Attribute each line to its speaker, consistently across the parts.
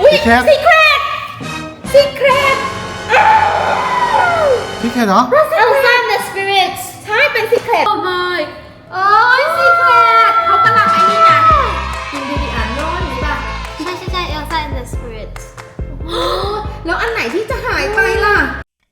Speaker 1: ซีเครตซีเครตเหรอ
Speaker 2: Elsa and the Spirits
Speaker 3: ใช่เป็นซีเครต
Speaker 2: โอ้ my
Speaker 3: โอ้ยซีเครตเขากำลังไอ้นี่ไงกินดีๆอ่านโน้นหรือเปล่า
Speaker 2: ใช่ Elsa and the Spirits
Speaker 3: แล้วอันไหนที่จะหายไปล่ะ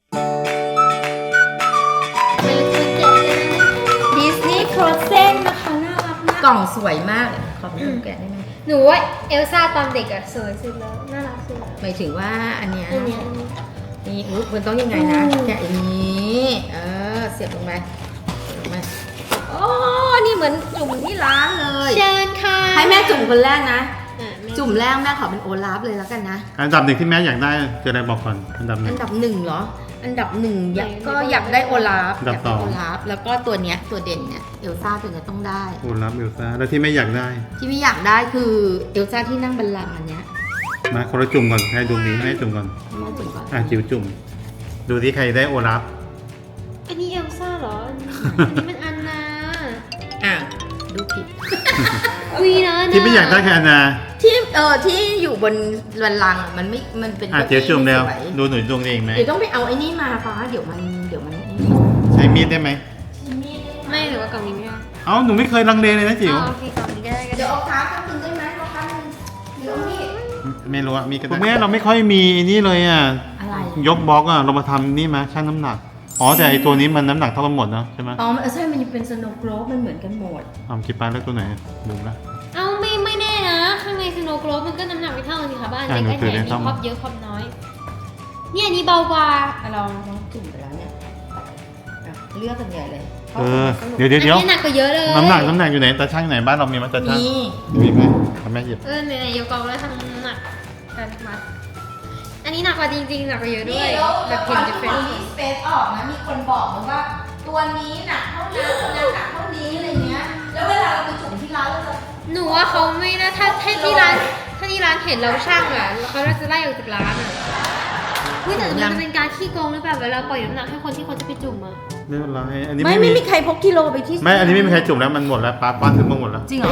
Speaker 2: ดิสนีย์ Frozen นะคะน่ารักมาก
Speaker 3: กล่องสวยมากขอเป็นแกะได้ไหม
Speaker 2: หนูว่าเอลซ่าตอนเด็กอะสวยสุดแล้วน่ารักสุดแล้ว
Speaker 3: หมายถึงว่าอันเนี้ย
Speaker 2: อันนี้
Speaker 3: นี่มันต้องยังไงนะแกะอย่างนี้เสียบลงไปโอ้นี่เหมือนจุ่มที่ร้านเลย
Speaker 2: เชิญค่ะ
Speaker 3: ให้แม่จุ่มคนแรกนะ
Speaker 2: อ่ะแม่
Speaker 3: จุ่มแรกแม่ขอเป็นโอลาฟเลยแล้วกันนะ
Speaker 1: อันดับหนึ่งที่แม่อยากได้คืออะไรบอกก่อนอันดับหนึ่
Speaker 3: อั
Speaker 1: ง
Speaker 3: นดับหนึ่งเหรอ อันดับหนึ่งก็อยากได้โอลาฟ
Speaker 1: อันดับสอง
Speaker 3: โอลาฟแล้วก็ตัวเนี้ยตัวเด่นเนี่ยเอลซ่าตัวเนี้ยต้องได้
Speaker 1: โอ้รับเอลซ่าแล้วที่ไม่อยากได้
Speaker 3: ที่ไม่อยากได้คือเอลซ่าที่นั่งบัลลังก์อันเนี้ย
Speaker 1: มาคนละจุ่มก่อนให้ดูนี้ให้จุ่มก่อน
Speaker 3: แม่จุ่มก่อน
Speaker 1: จิ๋วจุ่มดูที่ใครได้โอรับ
Speaker 2: อันนี้เอลซ่าเหรอ อันนี้มันอันนา
Speaker 3: ดูผิด
Speaker 2: วีนะ
Speaker 1: ที่ไม่อยากได้คืออันนา
Speaker 3: ที่อยู่บนบัลลังก์อะมันไม่มันเป็น
Speaker 1: จิ๋วจุ่มแล้ว
Speaker 3: สย
Speaker 1: ดูหนูดวงเองไหม
Speaker 3: เดี๋ยวต้องไปเอาไอ้นี่มาฟ้าเดี๋ยวมันไอ้นี่
Speaker 1: ใช้มีดได้ไหม
Speaker 2: ไม่หรือว่ากล่องนี้ไม่ได้
Speaker 1: เอ้าหนูไม่เคยลังเลเลยนะจิ๋ว
Speaker 2: อ๋อโอเคกล่องนี้ก็ได้ก็
Speaker 3: เดี๋
Speaker 2: ได้
Speaker 3: ยวเอาค้าข้างหนึงได้ไหมเอาค้าหนึงเดี๋ยวนี่
Speaker 1: ไม่รู้อะมีก็ได้แม่เราไม่ค่อยมีนี่เลยอ่ะ
Speaker 3: อะไร
Speaker 1: ยกบล็อกอ่ะเรามาทำนี่มาชั่งน้ำหนักอ๋อแต่ไอตัวนี้มันน้ำหนักเท่ากันหมดนะใช่ไหม
Speaker 3: อ๋อใช่มันเป็นสโนว์โกลบมันเหมือนกันหมด
Speaker 1: คิดไปแล้วตัวไหนดูละ
Speaker 2: เอ้าไม่แน่นะ ข้างในสโนว์โกลบมันก็น้ำหนักไม่เท่ากันสิคะบ้าน
Speaker 1: ใช่
Speaker 2: เล็ก
Speaker 1: หนู
Speaker 2: ไอ้
Speaker 1: ถื
Speaker 2: แห
Speaker 1: อ
Speaker 2: น
Speaker 1: ได้เท่า
Speaker 2: นี่ความเยอะความน้อย เนี่ยอันนี้เบากว่า
Speaker 3: เราจุ่มไปแล้วเนี่ยเลือกกันใหญ่เลย
Speaker 1: เดี๋ยว
Speaker 2: อันนี้หนักกว่าเยอะเลย
Speaker 1: น้ำหนักอยู่ไหนตาช่างไหนบ้านเรามีมั้ยตาช่าง
Speaker 3: นี่
Speaker 1: มีไหมทำแม่หยิบ
Speaker 2: ไหนๆยกกองแล้วทำน้ำหนักกันมาอันนี้หนักกว่าจริงๆหนักกว่าเยอะด้วยแบบเห็นจะเป็น
Speaker 3: สเปซออกนะมีคนบอกมาว่า ตัวนี้หนักเท่านั้นตัวนั้นหนักเท่านี้อะไรเงี้ยแล้วเวลาเราไปจุ่มที่ร้านเราจะ
Speaker 2: หนูว่าเขาไม่นะถ้าที่ร้านเห็นเราช่างอะแล้วเขาจะไล่ออกจากร้านอะเฮ้ยแต่มันจะเป็นการขี้โกงหรือเปล่าเวลาปล่อยน้ำหนักให้คนที่เขาจะไปจุ่มอะ
Speaker 1: ไม่เป็นไรอันนี้
Speaker 3: ไม่มีใครพกกิโลไปที่
Speaker 1: ไม่อันนี้ไม่มีใครจุ่มแล้วมันหมดแล้วป้าถึงมาหมดแล้ว
Speaker 3: จริงเหรอ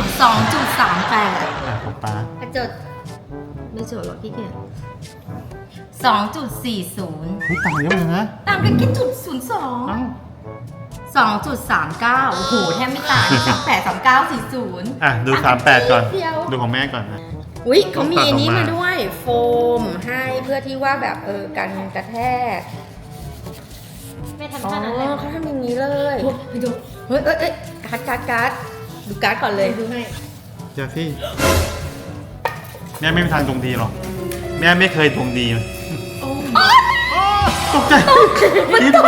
Speaker 3: 2.38
Speaker 1: ของป้า
Speaker 2: อ่ะจด
Speaker 3: ไม่เจอหรอกพี่เกียร2.40
Speaker 1: เฮ้ยต่างเยอะเลยนะ
Speaker 3: ต่างกันแค่จุด
Speaker 1: เอ้า
Speaker 3: 02 2.39 โอ้โห แทบไม่ต่าง38 39 40
Speaker 1: ดู38ก่อนดูของแม่ก่อนนะ
Speaker 3: อุ๊ยเขามีอันนี้
Speaker 1: ตัดออกมา
Speaker 3: มาด้วยโฟมให้เพื่อที่ว่าแบบกันกระแทก
Speaker 2: ไม่ทำ
Speaker 3: อ๋อ
Speaker 2: ท่านั้นเลย
Speaker 3: เขาทำอย่างนี้เลย
Speaker 2: ไปดู
Speaker 3: เฮ้ยการ์ดดูการ์ดก่อนเลย
Speaker 2: ดูให้
Speaker 1: เจ้าที่แม่ไม่มีทางดวงดีหรอกแม่ไม่เคยดวงดีตกใจคิดไป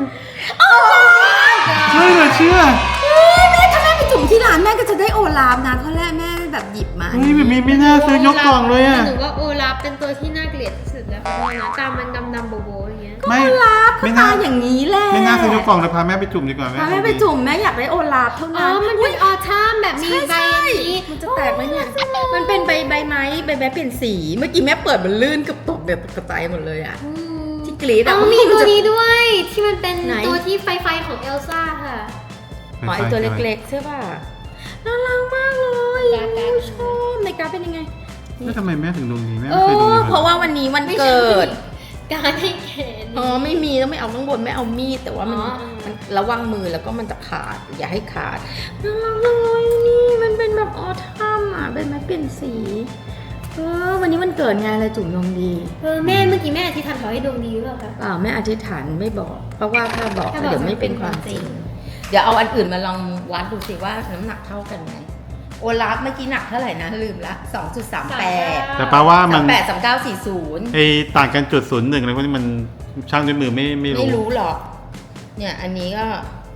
Speaker 1: เชื่อเลยเชื่อ
Speaker 3: แม่ถ้าแม่ไปจุ่มที่ร้านแม่ก็จะได้โอลาฟนะเพราะแรกแม่แบบหยิบมา
Speaker 1: เฮ้ยแบบนี้ไม่น่าซื้อยกกล่องเลยอ่ะ
Speaker 2: หนูว่าโอลาฟเป็นตัวที่น่าเกลียดที่สุดแล้วเพราะว่านะตามันดำๆโบๆอย่างเงี้ย
Speaker 1: ไม่
Speaker 3: โอลาฟเขา
Speaker 1: ไม่
Speaker 3: ตา
Speaker 1: น่า
Speaker 3: อย่างนี้แหละ
Speaker 1: ไม่น่าซื้อยกกล่องเลยพาแม่ไปจุ่มดีกว่าแม่
Speaker 3: พาแม่ไปจุ่มแม่อยากได้โอลาฟเท่า
Speaker 2: อ๋อ
Speaker 3: นั้น
Speaker 2: มันเป็นออทัมแบบมีใบอันนี้
Speaker 3: มันจะแตกไหมเนี่ยมันเป็นใบไม้ใบไม้เปลี่ยนสีเมื่อกี้แม่เปิดมันลื่นกับตกเดี๋ยวตกกระจายหมดเลยอะ
Speaker 2: อืม
Speaker 3: ที่กรี๊ด
Speaker 2: อ๋
Speaker 3: อะ
Speaker 2: อมีตัวนี้ด้วยที่มันเป็น
Speaker 3: ไหน
Speaker 2: ตัวที่ไฟของเอลซ่าค่ะ
Speaker 3: อ๋อไอตัวเล็กๆใช่ป่ะน่ารักมากเลย
Speaker 2: การ์ด
Speaker 3: ชอบในการ์ดเป็นยังไง
Speaker 1: แล้วทำไมแม่ถึงดวงดีแม่
Speaker 3: โอ้
Speaker 1: ไม่เคยดวงดี
Speaker 3: เพราะว่าวันนี้วันเกิด
Speaker 2: การให้แขน
Speaker 3: อ๋อไม่มีต้องไม่เอาข้างบนไม่เอามีดแต่ว่ามัน
Speaker 2: อ๋อ
Speaker 3: มันระวังมือแล้วก็มันจะขาดอย่าให้ขาดน่ารักเลยนี่มันเป็นแบบออทัมอ่ะเป็นไม้เปลี่ยนสีวันนี้มันเกิดไงอะไรจุ่มดวงดี
Speaker 2: แม่เมื่อกี้แม่อธิษฐานขอให้ดวงดีหรือเปล่าคะ
Speaker 3: เปล่าแม่อธิษฐานไม่บอก เพราะว่าถ้าบอก
Speaker 2: ถ้าบอก
Speaker 3: เดี๋ยวไม่เป็นความจริง เดี๋ยวเอาอันอื่นมาลองวัดดูสิว่าน้ำหนักเท่ากันไหมโอลาฟเมื่อกี้หนักเท่าไหร่นะลืมละ 2.38
Speaker 1: แต่ป้าว่ามัน
Speaker 3: 38 39 40
Speaker 1: ไอต่างกันจุด01อะไรพวกนี้มันช่างด้วยมือไม่
Speaker 3: ไม่
Speaker 1: รู้
Speaker 3: รู้หรอก เนี่ยอันนี้ก็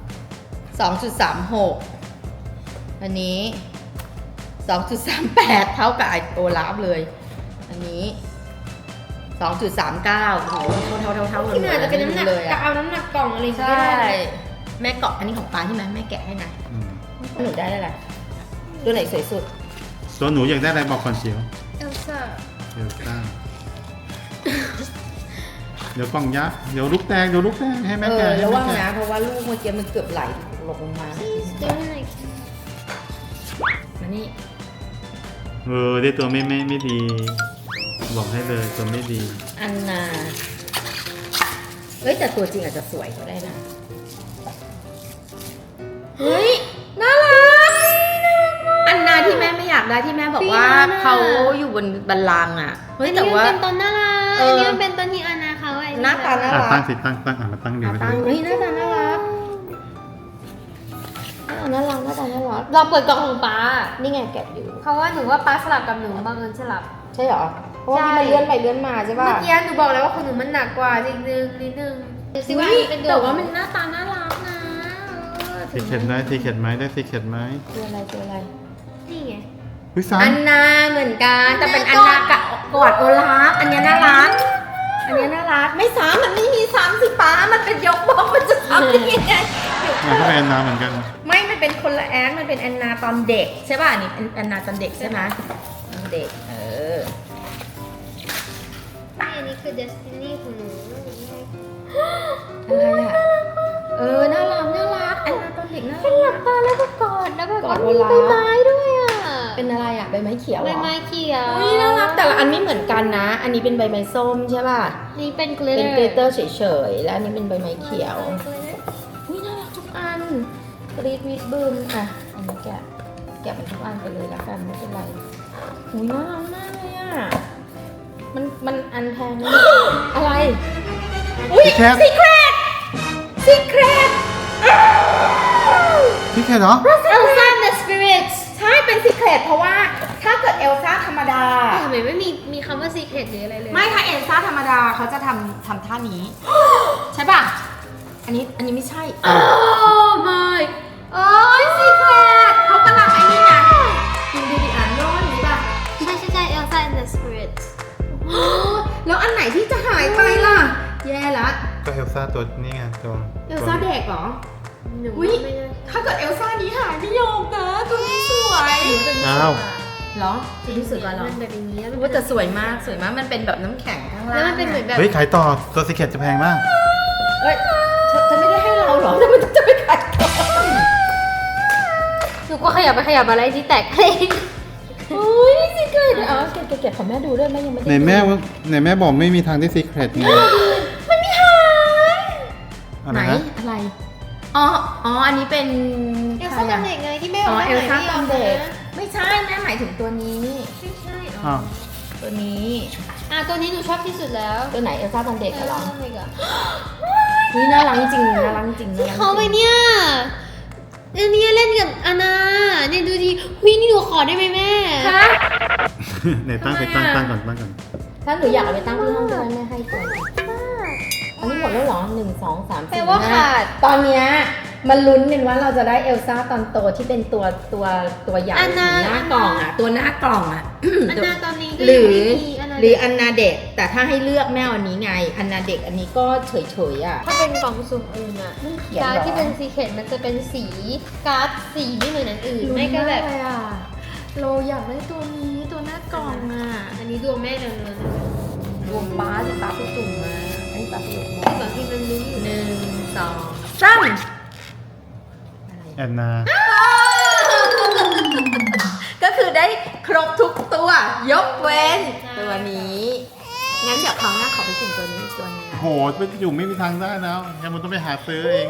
Speaker 3: 2.36 อันนี้ 2.38 เท่ากับไอโอลาฟเลย อันนี้ 2.39 โอ้โหเท่ากัน
Speaker 2: ที่มันอาจจะเป็นน้ำหนัก
Speaker 3: เลย
Speaker 2: กะ
Speaker 3: อะ
Speaker 2: เอาน้ำหนักกล่องอะไรอย่าง
Speaker 3: ใช่
Speaker 2: เงี้ยได้
Speaker 3: แม่เกาะอันนี้ของป้าใช่ไหมแม่แกะให้นะ
Speaker 1: อืม
Speaker 3: หนูได้อะไรตัวไหนสวยสุด
Speaker 1: ตัวหนูอยากได้อะไรบอกก่อนเชียว
Speaker 2: เอลซ่า
Speaker 1: เดี๋ยวตั้งเดี๋ยวกล่องยักษ์เดี๋ยวลูกแตกให้แม่แกะให้
Speaker 3: ระ
Speaker 1: แม่
Speaker 3: วัง
Speaker 1: แกะ
Speaker 3: นะเพราะว่าลูกเมื่อกี้มันเกือบไหลลงมา
Speaker 2: เจอไหน
Speaker 3: มานี่
Speaker 1: ได้ตัวไม่ดีบอกให้เลยตัวไม่ดี
Speaker 3: อันนาเฮ้ยแต่ตัวจริงอาจจะสวยก็ได้นะเฮ้ยน่ารักอันนาที่แม่ไม่อยากได้ที่แม่บอกว่าเขาอยู่บนบัลลังก์อ่ะเฮ้ยแต่ว่า
Speaker 2: อันนี้มันเป็นต้นน่ารัก
Speaker 3: เอออั
Speaker 2: อันนี้มันเป็นต้นที่อานาเขาไอ้
Speaker 3: หน้าตาน่า
Speaker 1: อ่ะ
Speaker 3: รั
Speaker 1: ตั้
Speaker 3: ก
Speaker 1: งสิตั้งมาตั้งดู
Speaker 3: อ่ะ
Speaker 1: ไป
Speaker 3: ตั้ง
Speaker 1: ดู
Speaker 3: เฮ้ยหน้าตาน่ารักน่ารักหน้าตาน่ารัก
Speaker 2: เราเปิดกล่องของป้า
Speaker 3: นี่ไงแกะอยู่
Speaker 2: เพราะว่าหนูว่าป้าสลับกับหนูบังเอิญสลับ
Speaker 3: ใช่เหรอเพราะว่า
Speaker 2: ใช่
Speaker 3: ที่มันเลื่อนไปเลื่อนมาใช่ป่ะ
Speaker 2: เมื่อกี้หนูบอกแล้วว่าของหนูมันหนักกว่านิดนึงดูสิว่า
Speaker 3: อุ๊ย
Speaker 2: เป็น
Speaker 3: แต่ว่ามันหน้าตาน่ารักนะ
Speaker 1: ซีเข็ดได้ซีเข็ดไหมได้ซีเข็ดไหม
Speaker 3: ตัวอะไรตัวอะไร
Speaker 2: นี่ไง
Speaker 1: วิสา
Speaker 3: อันนาเหมือนกันแต่เป็นอันนากะกอดโอลาฟอันเนี้ยน่ารักอันเนี้ยน่ารักไม่ซ้ำมันไม่มีซ้ำสิป้ามันเป็นยกบล็อกมันจะซ้ำได้ยังไง
Speaker 1: มันก็เป็นแอนนาเหมือนกัน
Speaker 3: ไม่มันเป็นคนละแอนมันเป็นแอนนาตอนเด็กใช่ป่ะอันนี่แอนนาตอนเด็กใช่ไหมตอนเด็ก
Speaker 2: นี่อันนี้คือ Destiny ของหนู
Speaker 3: อะไรอ่ะน่ารักแอนนาตอนเด็กน่า
Speaker 2: เป็นห
Speaker 3: รั
Speaker 2: ลั
Speaker 3: ก
Speaker 2: บตาแล้วก็กอดแล้วแบบ
Speaker 3: กอด
Speaker 2: มัน
Speaker 3: โอ
Speaker 2: มี
Speaker 3: ลาฟ
Speaker 2: ใบไม้ด้วยอ่ะ
Speaker 3: เป็นอะไรอ่ะใบไม้เขียว
Speaker 2: ใบ
Speaker 3: เหรอ
Speaker 2: ไม้เขียว
Speaker 3: อุ้ยน่ารักแต่ละอันไม่เหมือนกันนะ อันนี้เป็นใบไม้ส้มใช่ป่ะ
Speaker 2: นี่เป็น
Speaker 3: เป็น
Speaker 2: glitter
Speaker 3: เกลเตอร์เฉยๆแล้วอันนี้เป็นใบไม้เขียวอุ้ยน่ารักทุกอันกรีดวิดบึมอ่ะอันนี้แกะมันทุกอันไปเลยละกันไม่เป็นไรอุ้ยน่ารักมากเลยอ่ะมันอันแพงนะอะไรอุ้ย
Speaker 1: ซีเข็ด
Speaker 3: ซีเครต
Speaker 1: ซีเข็ดเหรอ
Speaker 2: Elsa and the Spirits
Speaker 3: ใช่เป็นซีเครตเพราะว่าถ้าเกิดเอลซ่าธรรมดา
Speaker 2: ทำไมไม่มีคำว่า secret หรืออะไรเลย
Speaker 3: ไม่ถ้าเอลซ่าธรรมดาเขาจะทำท่านี้ ใช่ป่ะ อันนี้ไม่ใช่
Speaker 2: โอ้ my
Speaker 3: โอ้ยซีเครตเขากำลังไอ้นี่ไงกินดีอ่านร้อนหรือป่ะ
Speaker 2: ใช่ Elsa and the Spirits
Speaker 3: แล้วอันไหนที่จะหายไปล่ะ แย่ละ
Speaker 1: ก็เอลซ่าตัวนี่ไงตัว
Speaker 3: เอลซ่าเด็กเหรอ
Speaker 2: หนู
Speaker 3: อุ๊ย
Speaker 2: ไม่ได้
Speaker 3: ถ้าเกิดเอลซ่านี้หายไม่ยอมนะตัวนี้สวย
Speaker 1: อ้าว
Speaker 3: เหรอตัวนี้สวยกว่าเหรอ
Speaker 2: มันแบบอย่างนี้แล้ว
Speaker 3: ว่าแต่สวยมากมันเป็นแบบน้ำแข็งข้างล่าง
Speaker 2: แล้วมันเป็นเหมือนแบบ
Speaker 1: เฮ้ยขายต่อตัวซีเข็ดจะแพงมาก
Speaker 3: เอ้ยจะไม่ได้ให้เราเหรอทำไมจะไปขายต่อ
Speaker 2: หนูก็ขยับไปขยับมาอะไรที่แตกเอง
Speaker 3: โอ้ยซีเครตเอาเก็บของแม่ดูด้วยแม่ยังไม่ได้
Speaker 1: ไหนแม่บอกไม่มีทางได้ซีเข็ดไง
Speaker 3: มันไม่หาย
Speaker 1: อะไร
Speaker 3: ไหน
Speaker 1: นะ
Speaker 3: อะไรอ๋ออันนี้เป็น
Speaker 2: เอลซ่าตอนเด็กไงที่แม่บ
Speaker 3: อ๋
Speaker 2: อก
Speaker 3: อ
Speaker 2: ว่า
Speaker 3: เอลซ่าตอนเด็ก
Speaker 2: นะ
Speaker 3: ไม่ใช่แม่หมายถึงตัวนี้
Speaker 2: ใช่
Speaker 1: อ้าว
Speaker 3: ตัวนี้
Speaker 2: ตัวนี้หนูชอบที่สุดแล้ว
Speaker 3: ตัวไหนเอลซ่าตอนเด็กอะเหรอ
Speaker 2: เด็กอะ
Speaker 3: นี่น่ารักจริงน่ารักจริง
Speaker 2: ที่เขาไปเนี่ยอันนี้เล่นกับอานาเนี่ยดูดิหุยนี่หนูขอได้ไหมแม่
Speaker 3: คะ
Speaker 1: ไหนตั้งไปตั้งก่อน
Speaker 3: ถ้าหนูอยากเอาไปตั้งที่ห้องด้วยแม่ให้ก่อนอันนี้หมดแล้วเหรอ1 2 3 4
Speaker 2: แปลว่าขาด
Speaker 3: ตอนเนี้ยมันลุ้นกันว่าเราจะได้เอลซ่าตอนโตที่เป็นตัวใหญ่
Speaker 2: อันนา
Speaker 3: หน้ากล่องอ่ะ ตัวหน้ากล่องอ่ะ
Speaker 2: อานาตอนนี้ก็
Speaker 3: หรื
Speaker 2: ยัง
Speaker 3: อ
Speaker 2: ไม่มีอานา
Speaker 3: หรืออันนาเด็กแต่ถ้าให้เลือกแม่เอาอันนี้ไง อันนาเด็กอันนี้ก็เฉยๆอ่ะ
Speaker 2: ถ้าเป็นกล่องสุ่มอื่นอะ
Speaker 3: ไม่เขียนหรอ
Speaker 2: การ์ดที่เป็นซีเคทมันจะเป็นสีการ์ดสีไม่เหมือนอันอื่นไม่ก็แบบ
Speaker 3: ลุ้นากเลยอ่ะโลอยากได้ตัวนี้ตัวหน้ากล่องอ่ะ
Speaker 2: อันนี้ดวงแม่เดินเลย
Speaker 3: รวมป้าสิป้าไปจุ่มมาไอ้ป้าไปจุ่มมา
Speaker 2: บางทีมันลุ้นอยู่
Speaker 3: 1 2 3
Speaker 1: แอนนา
Speaker 3: ก็คือได้ครบทุกตัวยกเว้นตัวนี้ งั้นเดี๋ยวคราวหน้าขอไปจุ่มตัวนี้อีกตัวหนึงนะ
Speaker 1: โหไปอยู่ไม่มีทางได้แล้วแกมันต้องไปหาซื้อเอง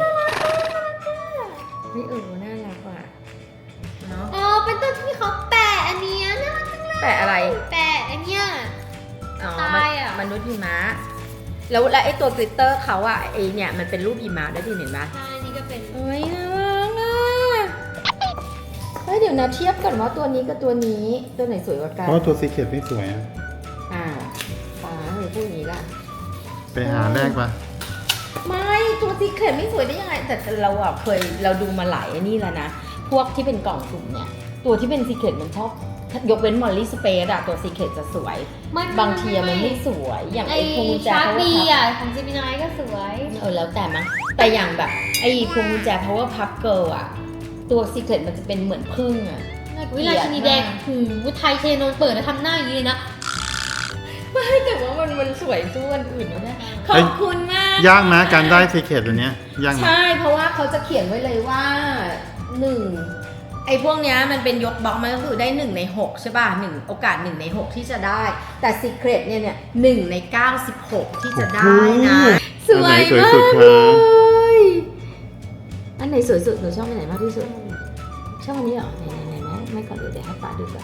Speaker 3: ไม่น่ารักว่ะเนาะ
Speaker 2: อ๋อเป็นต้นที่เขาแปะอันเนี้ยน่ารักจังเลย
Speaker 3: แปะอะไร
Speaker 2: แปะอันเนี้ย
Speaker 3: อ๋อ
Speaker 2: ตายอ่ะ
Speaker 3: มนุษย์หิมะแล้วไอ้ตัวกลิตเตอร์เขาอะไอเนี่ยมันเป็นรูปหิมะด้วยที่เห็นไหม
Speaker 2: ใช่อันนี้ก็เป็น
Speaker 3: โอ้ยน่ารักอ่ะเฮ้ยเดี๋ยวนะเทียบกันว่าตัวนี้กับตัวนี้ตัวไหนสวยกว่ากั
Speaker 1: เพ
Speaker 3: น
Speaker 1: ราะว่าตัวซีเข็ดไม่สวยอะ
Speaker 3: ป้าหรือพูดอย่างนี้ล่ะ
Speaker 1: ไปหาแรกปะ
Speaker 3: ไม่ตัวซีเครตไม่สวยได้ยังไงแต่เราอะเราดูมาหลายอันนี้แล้วนะพวกที่เป็นกล่องสุ่มเนี่ยตัวที่เป็นซีเครตมันชอบยกเว้นมอลลี่สเปซอะตัวซีเครตจะสวย บางทีอะมันไม่สวยอย่าง
Speaker 2: ไอ
Speaker 3: ไอ้พวงกุญแจ
Speaker 2: ชาร์
Speaker 3: power
Speaker 2: บี
Speaker 3: puff
Speaker 2: อ่ะของจิมินายก็สวย
Speaker 3: แล้วแต่มั้งแต่อย่างแบบไอ้พวงกุญแจ power puff girl อะตัวซีเครตมันจะเป็นเหมือนพึ่งอะ
Speaker 2: วิลาชินีแดงหูไทยเทนนเปิดแล้วทำหน้าอย่างนี้เลยนะ
Speaker 3: ไม่แต่ว่ามันสวยสู้อันอื่นนะเนี่ยขอบคุณมาก
Speaker 1: ยากไหมการได้ซีเข็ดตัวเนี้ยยากไหม
Speaker 3: ใช่เพราะว่าเขาจะเขียนไว้เลยว่า1 ไอ้พวกเนี้ยมันเป็นยกบล็อกมันก็คือได้1 ใน 6ใช่ป่ะโอกาส1 ใน 6ที่จะได้ แต่ Secret เนี่ย1 ใน 96ที่จะได้นะสวย
Speaker 1: อันไหนสวย
Speaker 3: มาก
Speaker 1: สุด
Speaker 3: เล
Speaker 1: คะ
Speaker 3: ยอันไหนสวยสุดหนูชอบอันไหนมากที่สุดชอบอันนี้เหรอไหนไม่ก่อนเดี๋ยวให้ป้าดูก่อน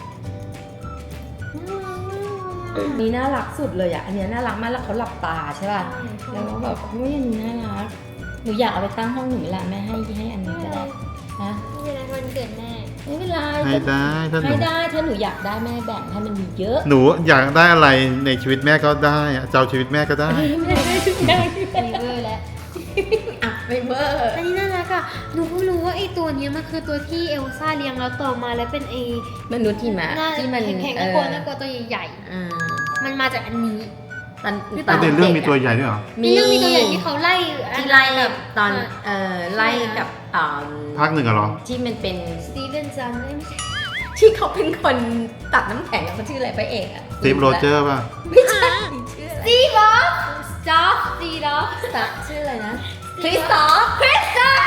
Speaker 3: นี่น่ารักสุดเลยอ่ะอันเนี้ยน่ารักมากแล้วเขาหลับตาใช่ป่ะแล้วก็แบบเฮ้ยอันนี้น่ารักหนูอยากเอาไปตั้งห้องหนูเวลาแม่ให้อันนี้ก็ได้นะ
Speaker 2: ไม่เป็นไรวันเกิดแม่
Speaker 3: ไม่เป็นไร
Speaker 1: ให้ได้ถ้าหนู
Speaker 3: ให้ได้ถ้าหนูอยากได้แม่แบ่งให้มันมีเยอะ
Speaker 1: หนูอยากได้อะไรในชีวิตแม่ก็ได้อะเจ้าชีวิตแม่ก็ได้
Speaker 3: ไม่ได้
Speaker 2: มีเวอร์แล้ว
Speaker 3: อ่ะไม่เวอร์
Speaker 2: อันนี้น่ารักอ่ะหนูเพิ่งรู้ว่าไอ้ตัวเนี้ยมันคือตัวที่เอลซ่าเลี้ยงแล้วต่อมาแล้วเป็นไอ้
Speaker 3: มนุษย์หิมะ
Speaker 2: หน้า
Speaker 3: ที่มัน
Speaker 2: แข็งๆน่ากลัวน่ากลัวตัวใหญ่
Speaker 3: อ่า
Speaker 2: ๆมันมาจากอันนี้
Speaker 3: ตอน
Speaker 1: ในเรื่องมีตัวใหญ่ด้วยเหรอ
Speaker 2: มีเรื่องมีตัวใหญ่ที่เขาไล่
Speaker 3: ที่ไล่กับตอนไล่กับ
Speaker 1: ภาคหนึ่งอะเหรอ
Speaker 3: ที่มันเป็น
Speaker 2: สตีเวนซันไม่ใช่
Speaker 3: ที่เขาเป็นคนตัดน้ำแข็งแล้วเขาชื่ออะไรพระเอกอะ
Speaker 1: สตีฟโรเจอร์ป่ะ
Speaker 3: ไม่ใช่ชื่ออะไร
Speaker 2: สตีฟอฟสตอฟสตีฟอฟ
Speaker 3: ตัดชื่ออะไรนะคริสตอฟคริสตอ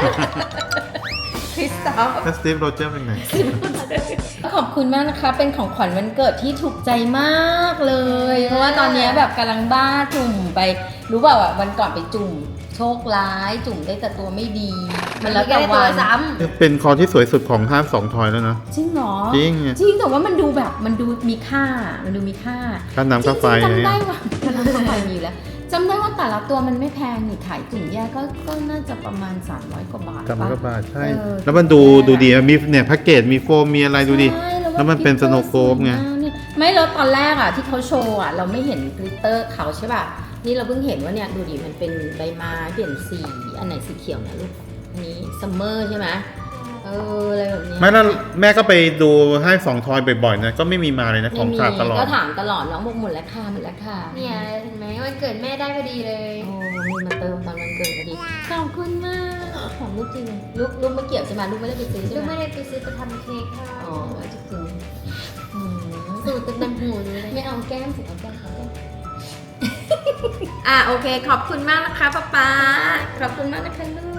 Speaker 3: ฟ
Speaker 1: แล้วสตีฟโรเจอร์เป็นไง
Speaker 3: ขอบคุณมากนะคะ เป็นของขวัญวันเกิดที่ถูกใจมากเลย เพราะว่าตอนนี้แบบกำลังบ้าจุ่มไป รู้เปล่าอ่ะวันก่อนไปจุ่ม โชคร้ายจุ่มได้แต่ตัวไม่ดี มันแล้วแต่วัน
Speaker 2: ซ้
Speaker 1: เป็นคอที่สวยสุดของห้างสองทอยแล้วนะ
Speaker 3: จริงเหรอ
Speaker 1: จริง
Speaker 3: จริงแต่ว่ามันดูแบบมันดูมีค่า มันดูมีค่า
Speaker 1: ค่าน้ำค่าไฟ
Speaker 3: จริงๆ
Speaker 1: อะไร
Speaker 3: จำได้
Speaker 1: เงี้ย
Speaker 3: ว่าค่าน้ำค่าไฟมีอยู่แล้วจำได้ว่าแต่ละตัวมันไม่แพงนี่ขายจุ่มแยกก็น่าจะประมาณ300 กว่าบาท
Speaker 1: กำลังก็
Speaker 3: ปะ
Speaker 1: บาทใช่
Speaker 3: เออ
Speaker 1: แล้วมันดูดีอะมีเนี่ยแพ็กเกจมีโฟมมีอะไรดูดิ
Speaker 3: ใช่
Speaker 1: แล้วมันเป็น Snow Globe ไง
Speaker 3: ไม่แล้วตอนแรกอ่ะที่เขาโชว์อ่ะเราไม่เห็นกลิตเตอร์เขาใช่ป่ะนี่เราเพิ่งเห็นว่าเนี่ยดูดิมันเป็นใบไม้เปลี่ยนสีอันไหนสีเขียวนะลูกอันนี้ซัมเมอร์ใช่ไหมอะไรแบบนี้
Speaker 1: ไม่แล้วแม่ก็ไปดูให้สองทอยบ่อยๆนะก็ไม่มีมาเลยนะของขาดตลอด
Speaker 3: ก็ถามตลอดน้องบอกหมดแล้วค่ะหมดแล้วค่ะ
Speaker 2: ำเนี่ยเห็นไหมวันเกิดแม่ได้พอดีเลย
Speaker 3: โอ้มีมาเติมตอนวันเกิดพอดีขอบคุณมากของลูกจริงลูกไม่เกี่ยวใช่ไหมลูกไม่ได้ไปซื้อใช่
Speaker 2: ลูก
Speaker 3: ไหม
Speaker 2: ไม่ได้ไปซื้อไปทำเค้กค่ะ
Speaker 3: อ๋อจริงๆ
Speaker 2: สูตรเต็มหูเลย
Speaker 3: ไม่เอาแก้มสิเอาแก้มโอเคขอบคุณมากนะคะป๊าป๊าขอบคุณมากนะคะลูก